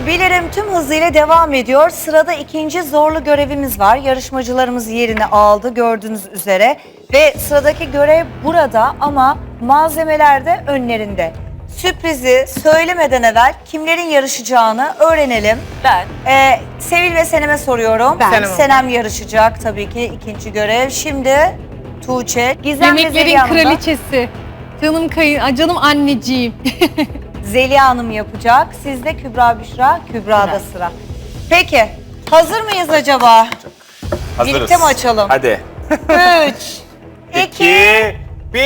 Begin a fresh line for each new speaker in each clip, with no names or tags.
Bilirim tüm hızıyla devam ediyor. Sırada ikinci zorlu görevimiz var. Yarışmacılarımız yerini aldı gördüğünüz üzere. Ve sıradaki görev burada ama malzemeler de önlerinde. Sürprizi söylemeden evvel kimlerin yarışacağını öğrenelim.
Ben.
Sevil ve Senem'e soruyorum. Senem yarışacak tabii ki ikinci görev. Şimdi Tuğçe, Gizem ve
Yemeklerin
Zeliha Hanım'la
kraliçesi. Canım anneciğim.
Zeliha Hanım yapacak. Sizde Kübra Büşra, Kübra'da sıra. Peki, hazır mıyız acaba?
Hazırız.
Birlikte mi açalım?
Hadi.
3, 2,
1.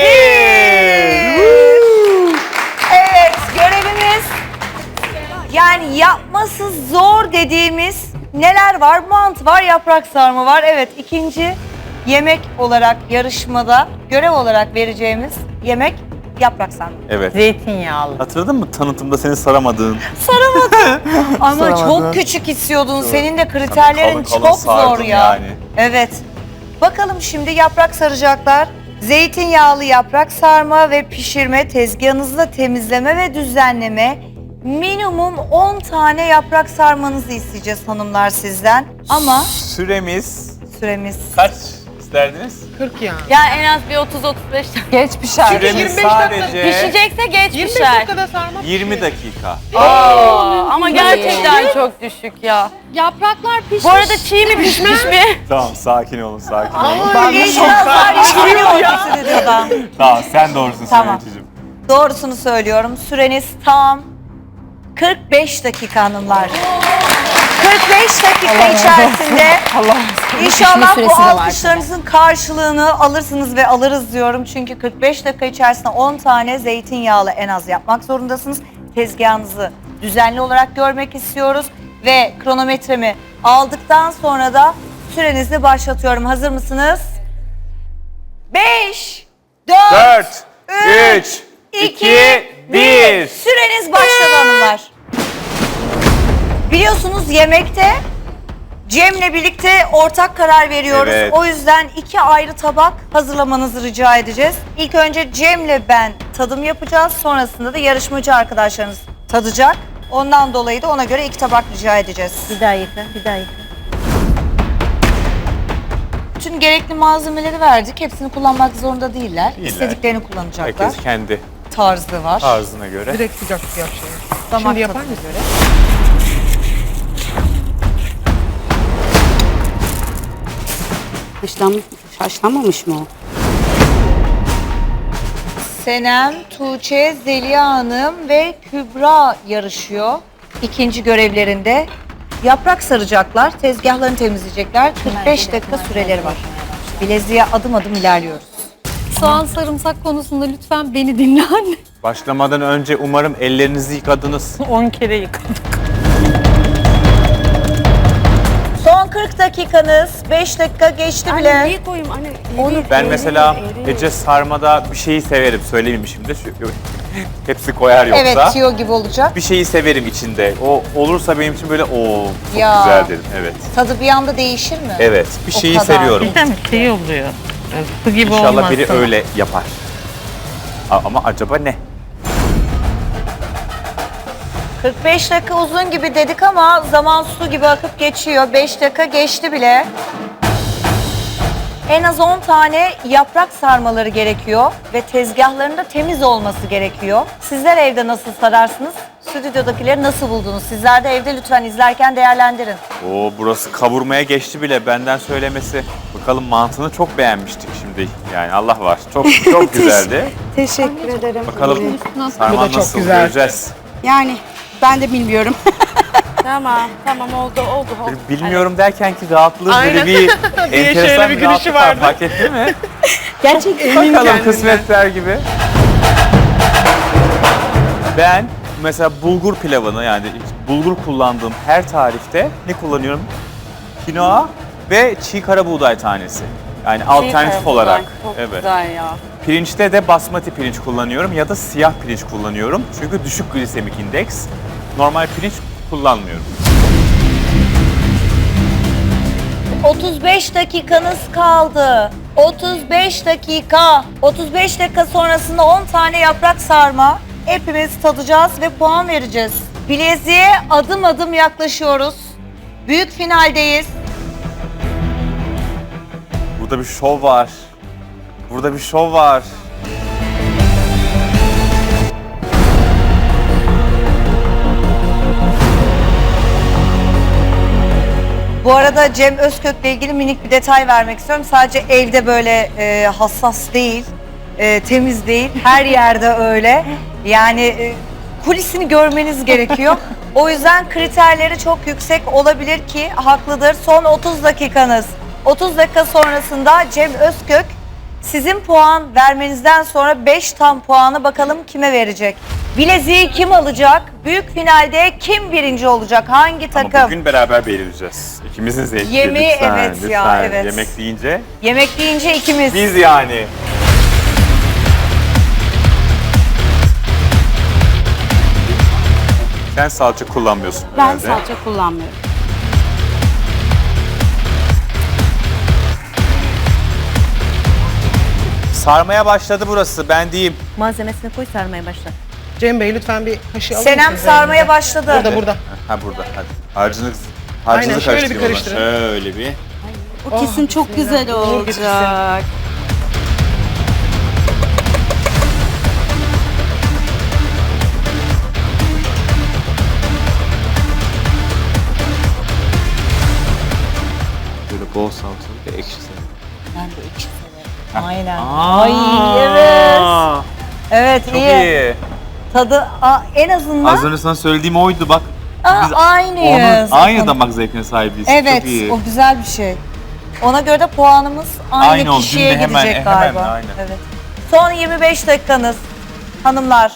Evet, görevimiz yani yapması zor dediğimiz neler var? Mantı var, yaprak sarma var. Evet, ikinci yemek olarak yarışmada görev olarak vereceğimiz yemek yaprak sarma.
Evet.
Zeytinyağlı.
Hatırladın mı tanıtımda seni saramadığın?
Ama
Saramadı.
çok küçük istiyordun. Senin de kriterlerin
Tabii kalın
çok zor
sardım
ya.
yani.
Evet. Bakalım şimdi yaprak saracaklar. Zeytinyağlı yaprak sarma ve pişirme, tezgahınızda temizleme ve düzenleme. Minimum 10 tane yaprak sarmanızı isteyeceğiz hanımlar sizden. Ama
Süremiz
süremiz...
kaç isterdiniz?
40 ya.
Ya en az bir 30-35
Geç pişer.
Süremiz sadece
pişecekse geç
25
pişer.
dakikada sarma.
20 dakika.
Ama gerçekten çok düşük ya.
Yapraklar pişmiş.
Bu arada çiğ mi pişmiş mi?
Tamam sakin olun sakin olun.
İnşallah işleniyor stüdyodan.
Tamam sen doğrusun
Tamam.
Süreyticiğim.
Doğrusunu söylüyorum. Süreniz tam 45 dakika hanımlar. 45 dakika içerisinde İnşallah bu alkışlarınızın karşılığını alırsınız ve alırız diyorum. Çünkü 45 dakika içerisinde 10 tane zeytinyağlı en az yapmak zorundasınız. Tezgahınızı düzenli olarak görmek istiyoruz. Ve kronometremi aldıktan sonra da sürenizi başlatıyorum. Hazır mısınız? 5, 4,
4, 3, 2, 1.
Süreniz başladı hanımlar. Biliyorsunuz yemekte Cem'le birlikte ortak karar veriyoruz.
Evet.
O yüzden 2 ayrı tabak hazırlamanızı rica edeceğiz. İlk önce Cem'le ben tadım yapacağız. Sonrasında da yarışmacı arkadaşlarınız tadacak. Ondan dolayı da ona göre 2 tabak rica edeceğiz.
Bir dakika.
Bütün gerekli malzemeleri verdik. Hepsini kullanmak zorunda değiller. İstediklerini kullanacaklar.
Herkes kendi
Tarzı var.
tarzına göre.
Direkt sıcak sıcak şey.
Damak
Şimdi yapar
tadına
mısın?
göre.
Haşlanmamış mı o?
Senem, Tuğçe, Zeliha Hanım ve Kübra yarışıyor. İkinci görevlerinde yaprak saracaklar, tezgahlarını temizleyecekler. 45 dakika süreleri var. Bileziğe adım adım ilerliyoruz.
Soğan sarımsak konusunda lütfen beni dinle anne.
Başlamadan önce umarım ellerinizi yıkadınız.
10 kere yıkadım.
Son 40 dakikanız, 5 dakika geçti bile.
Niye koyayım anne?
Ben mesela Ece sarmada bir şeyi severim. Söylemeyeyim şimdi. Hepsi koyar yoksa.
Evet, tiyo gibi olacak.
Bir şeyi severim içinde. O olursa benim için böyle çok
Ya.
güzel dedim. Evet.
Tadı bir anda değişir mi?
Evet. Bir
O
şeyi
kadar.
seviyorum.
Şey oluyor. Su gibi
İnşallah biri öyle yapar. Ama acaba ne?
45 dakika uzun gibi dedik ama zaman su gibi akıp geçiyor. 5 dakika geçti bile. En az 10 tane yaprak sarmaları gerekiyor ve tezgahlarında temiz olması gerekiyor. Sizler evde nasıl sararsınız? Stüdyodakileri nasıl buldunuz? Sizler de evde lütfen izlerken değerlendirin.
Oo, burası kavurmaya geçti bile benden söylemesi. Bakalım mantığını çok beğenmiştik şimdi. Yani Allah var. Çok güzeldi.
Teşekkür ederim.
Bakalım
Bu da
sarma
çok
nasıl
güzel.
göreceğiz.
Yani ben de bilmiyorum.
Tamam oldu.
Bilmiyorum derken ki rahatlığı
Aynen.
böyle bir
Diye
enteresan
şöyle bir
bir
gülüşü
rahatlık var.
vardı.
Fark ettin mi?
Gerçekten.
Bakalım
kendinden.
kısmetler gibi. Ben mesela bulgur pilavını yani bulgur kullandığım her tarifte ne kullanıyorum? Kinoa ve çiğ kara buğday tanesi. Yani alternatif olarak.
Çok
Evet.
güzel ya.
Pirinçte de basmati pirinç kullanıyorum ya da siyah pirinç kullanıyorum. Çünkü düşük glisemik indeks. Normal pirinç kullanmıyorum.
35 dakikanız kaldı. 35 dakika. 35 dakika sonrasında 10 tane yaprak sarma. Hepimiz tadacağız ve puan vereceğiz. Bileziğe adım adım yaklaşıyoruz. Büyük finaldeyiz.
Burada bir şov var. Burada bir şov var.
Bu arada Cem Özkök'le ilgili minik bir detay vermek istiyorum. Sadece elde böyle hassas değil, temiz değil. Her yerde öyle. Yani kulisini görmeniz gerekiyor. O yüzden kriterleri çok yüksek olabilir ki haklıdır. Son 30 dakikanız. 30 dakika sonrasında Cem Özkök sizin puan vermenizden sonra 5 tam puanı bakalım kime verecek? Bileziği kim alacak? Büyük finalde kim birinci olacak? Hangi takım?
Ama bugün beraber belirleyeceğiz. İkimizin zevki.
Yemeği,
lütfen,
evet
lütfen.
ya, evet.
Yemek deyince
Yemek deyince ikimiz.
biz yani. Sen salça kullanmıyorsun
Ben
herhalde.
salça kullanmıyorum.
Sarmaya başladı burası, ben diyeyim.
Malzemesini koy, sarmaya başla.
Cem Bey lütfen bir kaşığı alır
Senem
mısınız
sarmaya
elinize?
başladı.
Burada burada.
Ha burada, hadi. Harcını
Aynen, şöyle bir
karıştırıyorlar.
karıştırın.
Şöyle bir.
O kesin çok güzel
Uğur getirsin.
olacak.
Böyle bol salçalı ve ekşi severim.
Ben de ekşi severim. Aynen.
Aa,
Ay evet. Evet
Çok
iyi.
iyi.
Tadı en azından
Az önce sana söylediğim oydu bak. Biz
aynıyız.
onun aynı damak zevkine sahibiz.
Evet
Çok iyi.
o güzel bir şey. Ona göre de puanımız aynı,
Aynı oldu.
kişiye
Dün de hemen-
gidecek
hemen,
galiba.
aynen.
Evet. Son 25 dakikanız hanımlar.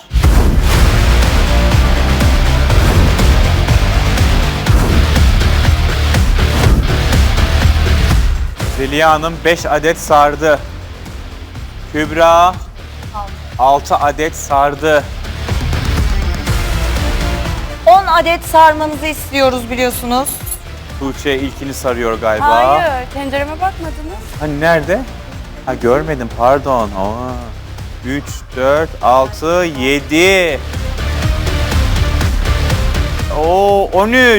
Zeliha Hanım 5 adet sardı. Kübra 6 adet sardı.
10 adet sarmanızı istiyoruz biliyorsunuz.
Tuğçe ilkini sarıyor galiba.
Hayır, tencereme bakmadınız.
Hani nerede? Ha görmedim pardon. 3, 4, 6, 7. Oo 13.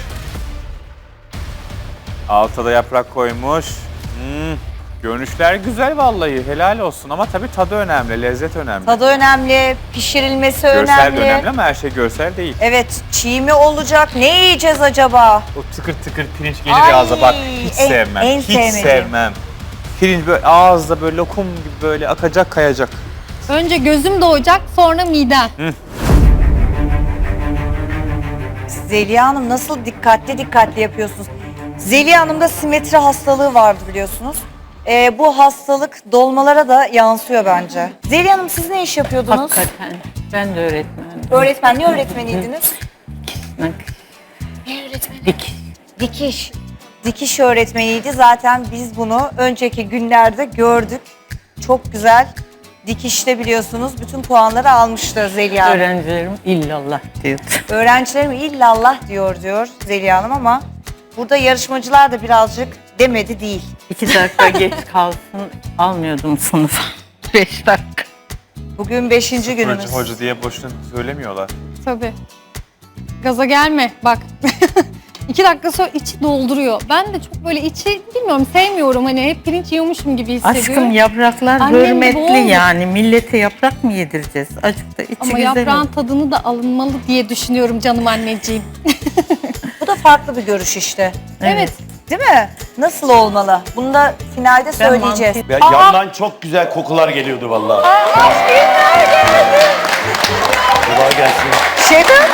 Alta da yaprak koymuş. Görünüşler güzel vallahi helal olsun ama tabii tadı önemli, lezzet önemli.
Tadı önemli, pişirilmesi
Görsel
önemli.
de önemli ama her şey görsel değil.
Evet, çiğ mi olacak? Ne yiyeceğiz acaba?
O tıkır tıkır pirinç gelir
Ay,
ağza bak hiç sevmem.
en
hiç
sevmediğim.
sevmem. Pirinç böyle ağızda böyle lokum gibi böyle akacak kayacak.
Önce gözüm doğacak, sonra midem.
Zeliha Hanım nasıl dikkatli yapıyorsunuz? Zeliha Hanım'da simetri hastalığı vardı biliyorsunuz. Bu hastalık dolmalara da yansıyor bence. Zeliha Hanım siz ne iş yapıyordunuz?
Hakikaten. Ben de öğretmenim.
Öğretmen, ne öğretmeniydiniz?
Dik.
Dikiş. Dikiş öğretmeniydi. Zaten biz bunu önceki günlerde gördük. Çok güzel. Dikişte biliyorsunuz bütün puanları almıştı Zeliha Hanım.
Öğrencilerim illallah diyor.
Öğrencilerim illallah diyor Zeliha Hanım ama burada yarışmacılar da birazcık demedi değil.
2 dakika geç kalsın almıyordum sınıfa. 5 dakika.
Bugün 5. günümüz.
Hoca diye boşuna söylemiyorlar.
Tabii. Gaza gelme bak. 2 dakika sonra içi dolduruyor. Ben de çok böyle içi bilmiyorum sevmiyorum. Hani hep pirinç yiyormuşum gibi hissediyorum.
Aşkım yapraklar
Annem gibi
hürmetli
oldu.
yani. Millete yaprak mı yedireceğiz? Acık da içi
Ama
güzel
yaprağın
olsun.
tadını da alınmalı diye düşünüyorum canım anneciğim.
Bu da farklı bir görüş işte.
Evet.
Değil mi? Nasıl olmalı? Bunu da finalde söyleyeceğiz.
mantı-
Ya yandan çok güzel kokular geliyordu vallahi. Kolay gelsin.
Şefim,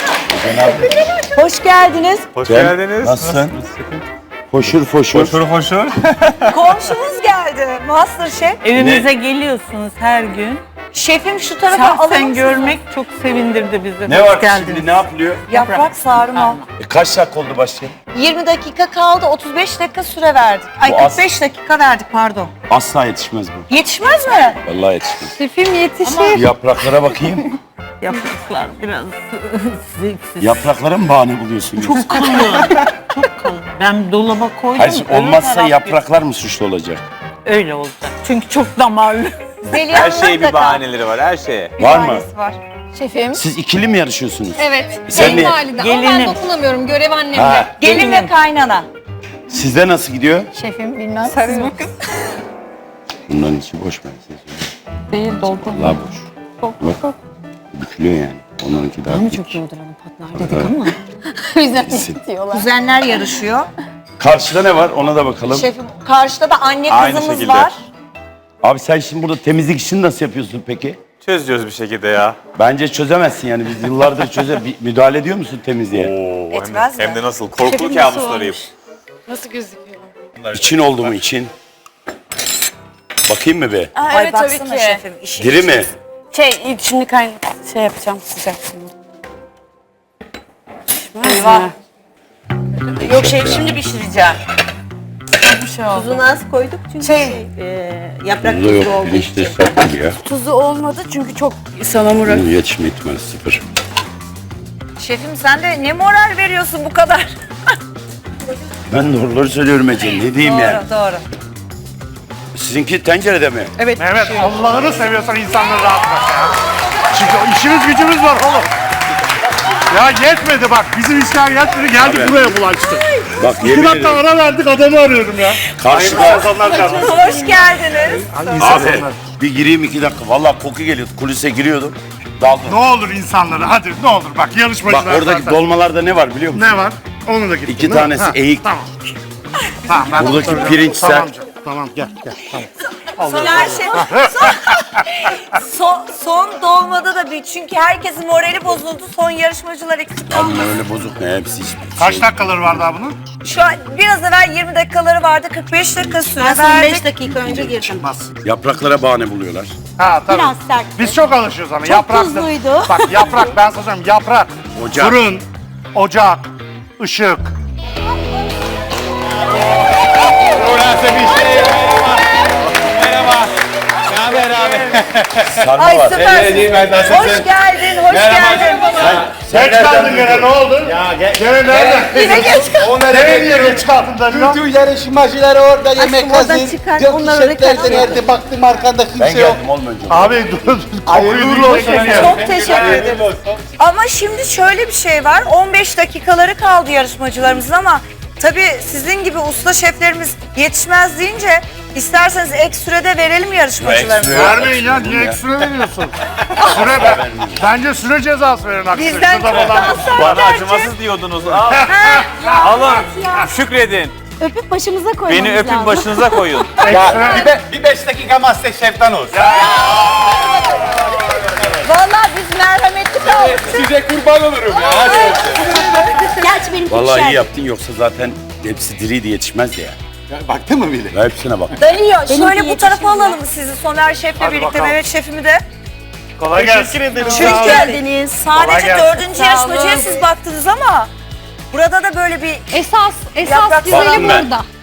hoş geldiniz.
Hoş
Cem,
geldiniz.
nasılsın? Foşur foşur.
Hoşur.
Komşumuz geldi. Masterchef.
Evimize geliyorsunuz her gün.
Şefim şu tarafa alır
Şahsen
mısınız?
görmek çok sevindirdi bizi.
Ne
Hoş
var
geldiniz.
şimdi ne yapılıyor?
Yaprak sarma.
Kaç dakika oldu başlayalım?
20 dakika kaldı, 35 dakika süre verdik. Ay
Bu az.
45 dakika verdik pardon.
Asla yetişmez bu.
Yetişmez mi?
Vallahi yetişmez.
Şefim yetişir.
Yapraklara bakayım.
Yapraklar biraz zevksiz.
Yapraklara mı bahane buluyorsun?
Çok kalın. Çok kalın. Ben dolaba koydum.
Hayır,
öbür
olmazsa
taraf
yapraklar mı suçlu olacak?
öyle olacak. Çünkü çok damarlı.
Zeliha
Her
Hanım'ın
şeyin bir
mutlaka
bahaneleri var her şeye.
bir
Var mı?
bahanesi var.
Şefim.
Siz ikili mi yarışıyorsunuz?
Evet.
Sen ne?
Kayınvalide. Ama ben
Gelinim.
dokunamıyorum. Görev annemde.
Ha.
Gelin ve kaynana.
Sizde nasıl gidiyor?
Şefim bilmem. Siz bakın.
Bunların içi boş ben size söyleyeyim.
Değil doldu.
Allah boş. Bak. Bükülüyor yani. Onlarınki daha büyük.
Çok yoldur hanım patlar dedik ama.
O yüzden diyorlar.
Kuzenler yarışıyor.
Karşıda ne var ona da bakalım.
Şefim karşıda da anne
Aynı
kızımız
şekilde.
var.
Abi sen şimdi burada temizlik işini nasıl yapıyorsun peki?
Çözüyoruz bir şekilde ya.
Bence çözemezsin yani biz yıllardır müdahale ediyor musun temizliğe?
Oo,
Etmez mi?
hem de nasıl? Korkulu kabuslarıyım.
Nasıl gözüküyor?
İçin oldu mu için? Bakayım mı be?
Aa,
Ay
evet tabii
baksana
ki.
şefim. işi
Diri mi?
Şimdi şey yapacağım sıcak şimdi.
Eyvah.
Yok şimdi pişireceğim.
Bir şey oldu.
Tuzunu az koyduk çünkü yaprak
Bunda
tuzu
yok
olduğu
pirinçte
için.
sert gibi ya.
Tuzu olmadı çünkü çok salamura.
Bunun yetişme ihtimali sıfır.
Şefim sen de ne moral veriyorsun bu kadar?
Ben doğruları söylüyorum Ece ne diyeyim yani.
Doğru.
Sizinki tencerede mi?
Mehmet Allah'ını seviyorsan insanları rahat bırak ya. Çünkü işimiz gücümüz var oğlum. Ya yetmedi bak bizim işler yetmedi geldik buraya bulaştı.
Bak
2
yemin
dakika
ederim.
ara verdik adamı arıyorum ya.
Karşıda
Hoş geldiniz.
abi bir gireyim 2 dakika. Vallahi koku geliyordu. Kulise giriyordum. Daldım.
Ne olur insanlara hadi ne olur bak yarışmacılar
Bak oradaki
zaten.
dolmalarda ne var biliyor musun?
Ne var? Onu da gittin
2
değil mi?
tanesi
Ha,
eğik.
Tamam. Tamam ben
Buradaki
söylüyorum.
pirinç
Tamam
sert.
canım, Tamam gel tamam.
Soner Şef. Son dolmada da bir çünkü herkesin morali bozuldu. Son yarışmacılar eksik kaldı.
Bunlar öyle bozuk ne hepsi hiçbir
Kaç
şey.
dakikaları var daha bunun?
Şu an biraz evvel 20 dakikaları vardı. 45 dakika süre
Ben son
verdik.
5 dakika önce girdim.
Çıkmaz.
Yapraklara bahane buluyorlar.
Ha tabii.
Biraz sert.
Biz çok alışıyoruz ama.
Çok tuzluydu.
Bak yaprak ben sana söyleyeyim yaprak.
Ocak.
Fırın, ocak, ışık.
Sarma
Ay
var.
süpersin. Hoş geldin, hoş geldin.
Geç kaldın gene ne oldu? Ya gene nerede?
Yine geç kaldın.
Nereye niye geç kaldın da?
Bütün yarışmacılar orada yemek
oradan
hazır.
çıkar,
Yok
onları
şefler de
kaçır.
nerede baktım arkanda
Ben
kimse yok.
geldim oğlum önce.
Abi dur.
Hayırlı olsun ya.
Çok teşekkür ederim. Ama şimdi şöyle bir şey var. 15 dakikaları kaldı yarışmacılarımızın ama tabii sizin gibi usta şeflerimiz yetişmez deyince isterseniz ek sürede verelim yarışmacılarımıza.
Vermeyin ya niye ekstra veriyorsun? Süre bence süre cezası verin aksine.
Bizden
Şurada
çok
falan.
daha
Bana
sonra
acımasız diyordunuz. Al. Alın. Şükredin.
Öpüp başımıza koymamız
Beni öpün
lazım.
başınıza koyun.
Bir 5 dakika Masterchef'ten olsun.
Vallahi biz merhametli kaldık.
Size kurban olurum ya.
Gerçi benim
Vallahi
pişer.
iyi yaptın yoksa zaten hepsi diriydi yetişmezdi ya.
Baktın mı bile?
Ben hepsine bak.
Dönüyor. Şöyle bu
yetişmiyor.
tarafa alalım sizi Soner Şef'le birlikte,
bakalım.
Mehmet Şef'imi de.
Kolay gelsin.
Çünkü
geldiniz.
sadece
gelsin.
4. yarışmacıya siz baktınız ama burada da böyle bir
Esas
Yaprak
güzeli
sarma.
burada.